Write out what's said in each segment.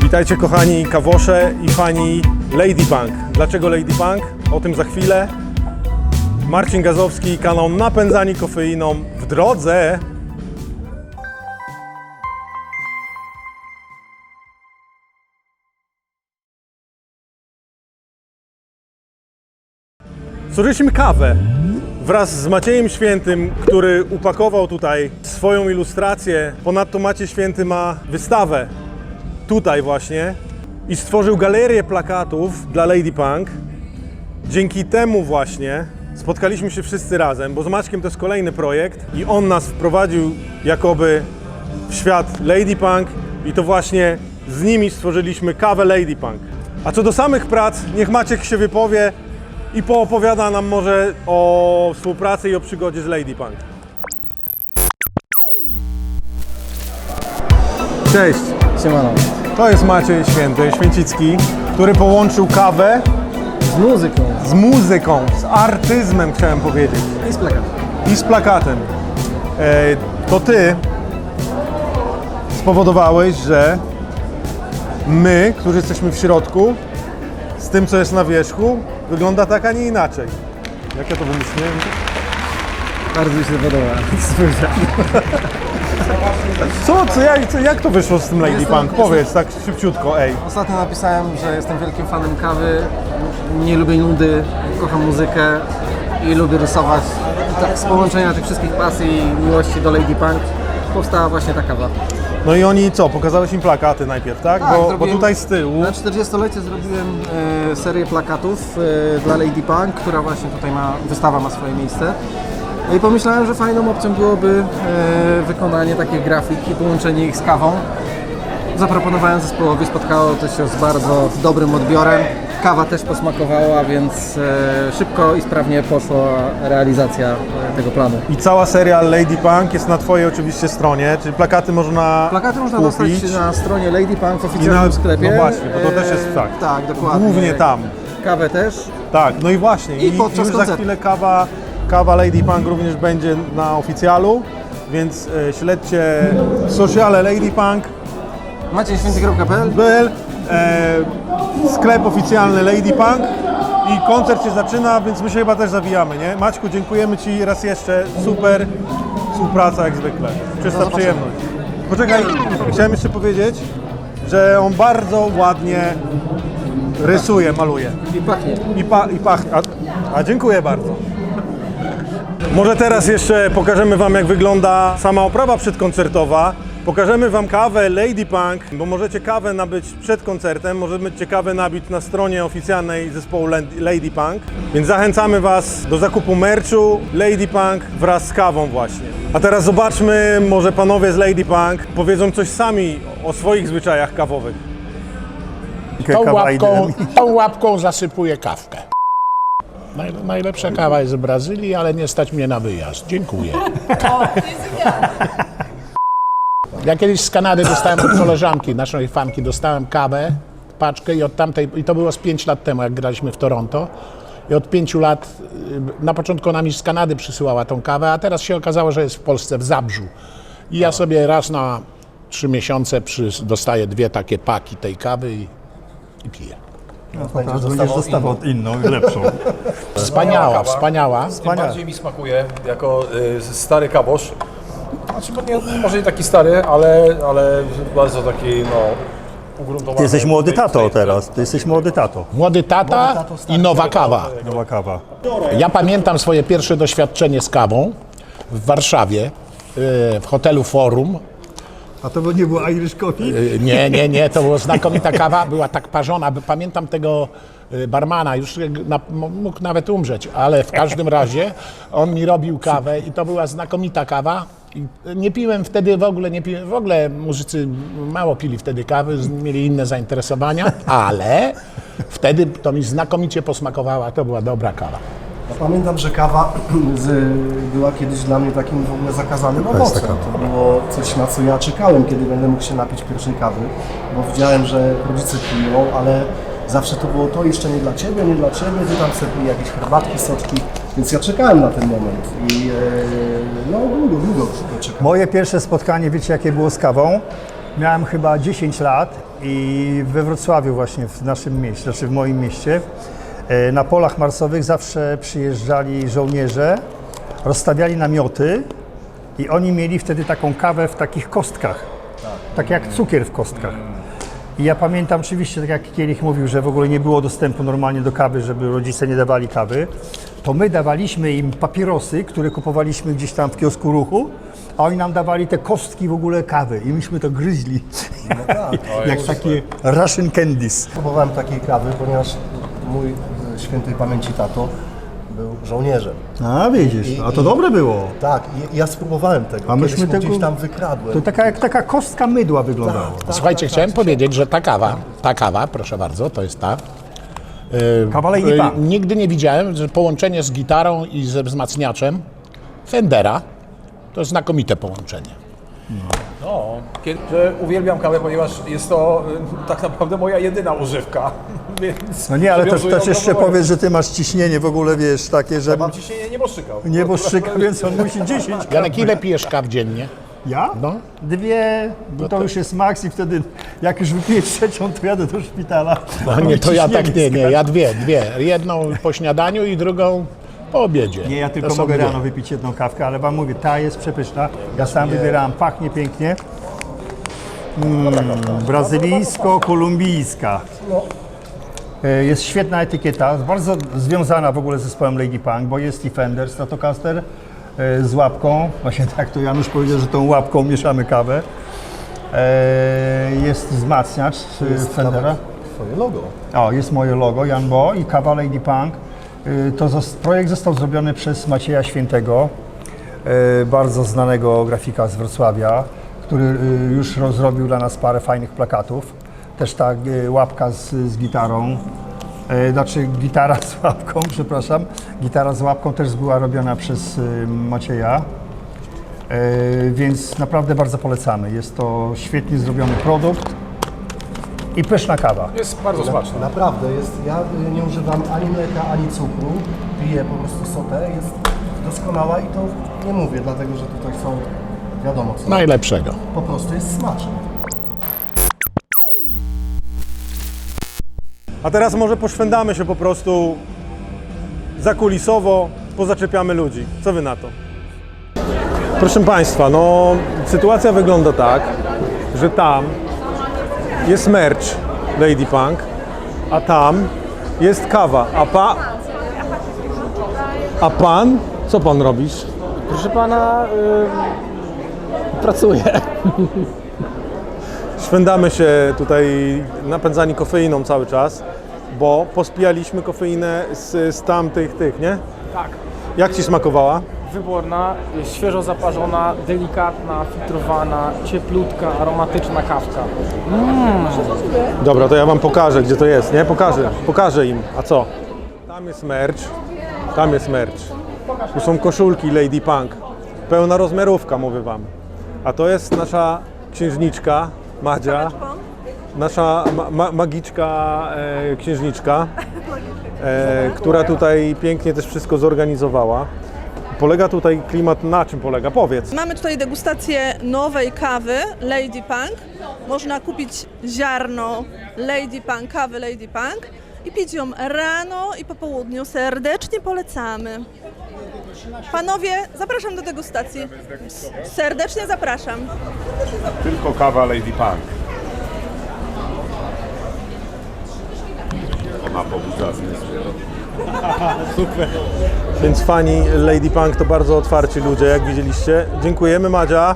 Witajcie kochani kawosze i fani Ladypunk. Dlaczego Ladypunk? O tym za chwilę. Marcin Gazowski, kanał Napędzani Kofeiną w drodze. Zużyliśmy kawę wraz z Maciejem Świętym, który upakował tutaj swoją ilustrację. Ponadto Maciej Święty ma wystawę tutaj właśnie i stworzył galerię plakatów dla Ladypunk. Dzięki temu właśnie spotkaliśmy się wszyscy razem, bo z Maćkiem to jest kolejny projekt i on nas wprowadził jakoby w świat Ladypunk i to właśnie z nimi stworzyliśmy kawę Ladypunk. A co do samych prac, niech Maciek się wypowie i poopowiada nam może o współpracy i o przygodzie z Ladypunk. Cześć! Siemano. To jest Maciej Święty, Święcicki, który połączył kawę Z muzyką. z artyzmem, chciałem powiedzieć. I z plakatem. I z plakatem. To ty spowodowałeś, że my, którzy jesteśmy w środku, z tym, co jest na wierzchu, wygląda tak, a nie inaczej. Jak ja to wymyśliłem? Bardzo mi się podoba. Jak to wyszło z tym Ladypunk? Powiedz tak szybciutko, ej. Ostatnio napisałem, że jestem wielkim fanem kawy, nie lubię nudy, kocham muzykę i lubię rysować. I tak z połączenia tych wszystkich pasji i miłości do Ladypunk powstała właśnie ta kawa. No i oni co? Pokazałeś im plakaty najpierw, tak? Bo tutaj z tyłu... Na 40-lecie zrobiłem serię plakatów dla Ladypunk, która właśnie tutaj wystawa ma swoje miejsce. No i pomyślałem, że fajną opcją byłoby wykonanie takich grafik i połączenie ich z kawą. Zaproponowałem zespołowi, spotkało to się z bardzo dobrym odbiorem. Kawa też posmakowała, więc szybko i sprawnie poszła realizacja tego planu. I cała seria Ladypunk jest na twojej oczywiście stronie, czyli plakaty można kupić. Dostać na stronie Ladypunk w oficjalnym sklepie. No właśnie, bo to też jest tak. Tak, dokładnie. Głównie tam. Kawę też. Tak, no i właśnie. I podczas już za koncertu. chwilę kawa Ladypunk również będzie na oficjalu, więc śledźcie sociale Ladypunk, MaciejSwięty.pl. Sklep oficjalny Ladypunk i koncert się zaczyna, więc my się chyba też zawijamy, nie? Maćku, dziękujemy Ci raz jeszcze, super współpraca jak zwykle, czysta przyjemność. Poczekaj, chciałem jeszcze powiedzieć, że on bardzo ładnie rysuje, maluje. I pachnie. I pachnie. A dziękuję bardzo. Może teraz jeszcze pokażemy Wam, jak wygląda sama oprawa przedkoncertowa. Pokażemy Wam kawę Ladypunk, bo możecie kawę nabyć przed koncertem, możecie kawę nabyć na stronie oficjalnej zespołu Ladypunk. Więc zachęcamy Was do zakupu merchu Ladypunk wraz z kawą właśnie. A teraz zobaczmy, może panowie z Ladypunk powiedzą coś sami o swoich zwyczajach kawowych. Tą łapką zasypuję kawkę. Najlepsza kawa jest z Brazylii, ale nie stać mnie na wyjazd. Dziękuję. Ja kiedyś z Kanady dostałem od koleżanki, naszej fanki, dostałem kawę, paczkę i to było z 5 lat temu, jak graliśmy w Toronto. I od 5 lat, na początku ona mi z Kanady przysyłała tą kawę, a teraz się okazało, że jest w Polsce, w Zabrzu. I ja sobie raz na 3 miesiące dostaję 2 takie paki tej kawy i piję. Będziesz dostawał inną i lepszą. Wspaniała. Tym bardziej mi smakuje jako stary kawosz. Znaczy, może nie taki stary, ale bardzo taki ugruntowany. Ty jesteś młody tato teraz, Młody tata i nowa kawa. Nowa kawa. Ja pamiętam swoje pierwsze doświadczenie z kawą w Warszawie, w hotelu Forum. A to nie było Irish Coffee? Nie, to była znakomita kawa, była tak parzona. Pamiętam tego barmana, już mógł nawet umrzeć, ale w każdym razie on mi robił kawę i to była znakomita kawa. I nie piłem wtedy w ogóle muzycy mało pili wtedy kawy, mieli inne zainteresowania, ale wtedy to mi znakomicie posmakowała, to była dobra kawa. Pamiętam, że kawa była kiedyś dla mnie takim w ogóle zakazanym owocem. To było coś, na co ja czekałem, kiedy będę mógł się napić pierwszej kawy, bo widziałem, że rodzice piją, ale zawsze to było to jeszcze nie dla Ciebie, Ty tam sobie pij jakieś herbatki, soczki, więc ja czekałem na ten moment i długo czekałem. Moje pierwsze spotkanie, wiecie jakie było z kawą? Miałem chyba 10 lat i we Wrocławiu właśnie, w naszym mieście, znaczy w moim mieście, na polach marsowych zawsze przyjeżdżali żołnierze, rozstawiali namioty i oni mieli wtedy taką kawę w takich kostkach, tak jak cukier w kostkach. I ja pamiętam oczywiście, tak jak Kielich mówił, że w ogóle nie było dostępu normalnie do kawy, żeby rodzice nie dawali kawy, to my dawaliśmy im papierosy, które kupowaliśmy gdzieś tam w kiosku Ruchu, a oni nam dawali te kostki w ogóle kawy i myśmy to gryźli, jak takie Russian candies. Próbowałem takiej kawy, ponieważ mój świętej pamięci tato był żołnierzem. A widzisz, a to dobre było. Tak, ja spróbowałem tego. A myśmy Kiedyś mu tego- gdzieś tam wykradłem. To taka jak taka kostka mydła wyglądała. Słuchajcie, chciałem powiedzieć, że ta kawa, proszę bardzo, to jest ta. Kawa Lady Punk. Nigdy nie widziałem, że połączenie z gitarą i ze wzmacniaczem Fendera to jest znakomite połączenie. Że uwielbiam kawę, ponieważ jest to tak naprawdę moja jedyna używka. Więc No nie, ale przywiązuję też jeszcze ogromną powiedz, że ty masz ciśnienie w ogóle, wiesz, takie, że Mam ciśnienie nieboszczyka. nieboszczyka, więc on musi 10. Janek, ile pijesz kaw dziennie? Ja? No. 2, bo to już jest maks i wtedy jak już wypiję trzecią, to jadę do szpitala. No nie, to ja tak nie, ja dwie. Jedną po śniadaniu i drugą po obiedzie. Nie, ja To tylko są mogę dwie. rano wypić jedną kawkę, ale wam mówię, ta jest przepyszna. Ja sam wybierałem, pachnie pięknie. Brazylijsko-kolumbijska. Jest świetna etykieta, bardzo związana w ogóle z zespołem Lady Punk, bo jest i Fender Stratocaster z łapką. Właśnie tak to Janusz powiedział, że tą łapką mieszamy kawę. Jest wzmacniacz Fendera. Twoje logo. O, jest moje logo, Jan Bo i kawa Lady Punk. Projekt został zrobiony przez Macieja Świętego, bardzo znanego grafika z Wrocławia, który już rozrobił dla nas parę fajnych plakatów. Też ta łapka z gitarą, znaczy gitara z łapką, przepraszam. Gitara z łapką też była robiona przez Macieja, więc naprawdę bardzo polecamy. Jest to świetnie zrobiony produkt i pyszna kawa. Jest bardzo smaczne. Naprawdę jest. Ja nie używam ani mleka, ani cukru. Piję po prostu sotę. Jest doskonała i to nie mówię, dlatego że tutaj są wiadomo co. Najlepszego. Po prostu jest smaczne. A teraz może poszwędamy się po prostu zakulisowo, pozaczepiamy ludzi. Co wy na to? Proszę Państwa, no sytuacja wygląda tak, że tam jest merch Lady Punk, a tam jest kawa, a pan? Co pan robisz? Proszę pana, pracuję. Szwendamy się tutaj napędzani kofeiną cały czas, bo pospijaliśmy kofeinę z tamtych nie? Tak, Jak Ci smakowała? wyborna, świeżo zaparzona, delikatna, filtrowana, cieplutka, aromatyczna kawka. Dobra, to ja Wam pokażę, gdzie to jest, nie? Pokażę im. A co? Tam jest merch. Tu są koszulki Lady Punk. Pełna rozmiarówka, mówię Wam. A to jest nasza księżniczka, Madzia. Nasza magiczka księżniczka, która tutaj pięknie też wszystko zorganizowała. Polega tutaj klimat, na czym polega? Powiedz. Mamy tutaj degustację nowej kawy Lady Punk. Można kupić ziarno Lady Punk, kawy Lady Punk i pić ją rano i po południu. Serdecznie polecamy. Panowie, zapraszam do degustacji. Serdecznie zapraszam. Tylko kawa Lady Punk. Ona pobudza zmysły. Więc fani Lady Punk to bardzo otwarci ludzie, jak widzieliście. Dziękujemy, Madzia.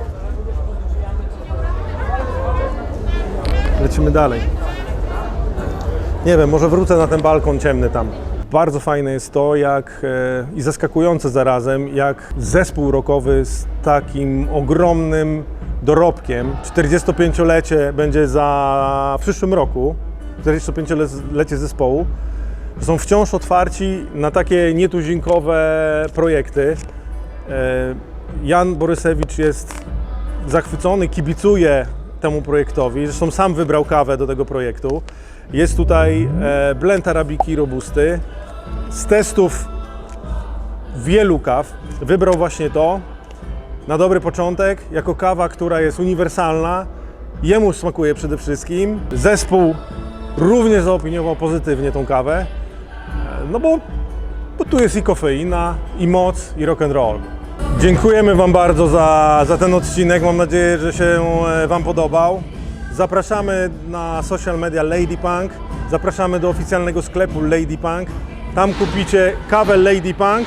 Lecimy dalej. Nie wiem, może wrócę na ten balkon ciemny tam. Bardzo fajne jest to, i zaskakujące zarazem, jak zespół rockowy z takim ogromnym dorobkiem, 45-lecie będzie w przyszłym roku, 45-lecie zespołu, są wciąż otwarci na takie nietuzinkowe projekty. Jan Borysewicz jest zachwycony, kibicuje temu projektowi, zresztą sam wybrał kawę do tego projektu. Jest tutaj blend arabiki robusty. Z testów wielu kaw wybrał właśnie to na dobry początek, jako kawa, która jest uniwersalna Jemu smakuje przede wszystkim. Zespół również zaopiniował pozytywnie tą kawę, no bo tu jest i kofeina, i moc, i rock and roll. Dziękujemy Wam bardzo za ten odcinek. Mam nadzieję, że się Wam podobał. Zapraszamy na social media Lady Punk. Zapraszamy do oficjalnego sklepu Lady Punk. Tam kupicie kawę Lady Punk.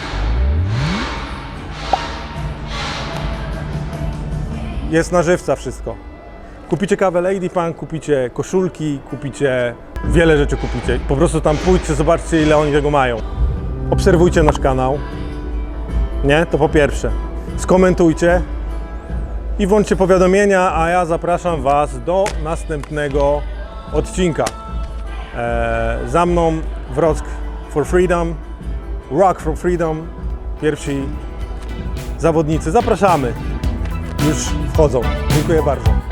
Jest na żywca wszystko. Kupicie kawę Lady Punk, kupicie koszulki, kupicie wiele rzeczy kupicie. Po prostu tam pójdźcie, zobaczcie ile oni tego mają. Obserwujcie nasz kanał. Nie? To po pierwsze. Skomentujcie i włączcie powiadomienia, a ja zapraszam Was do następnego odcinka. Za mną Wrock for Freedom, Rock for Freedom, pierwsi zawodnicy. Zapraszamy. Już wchodzą. Dziękuję bardzo.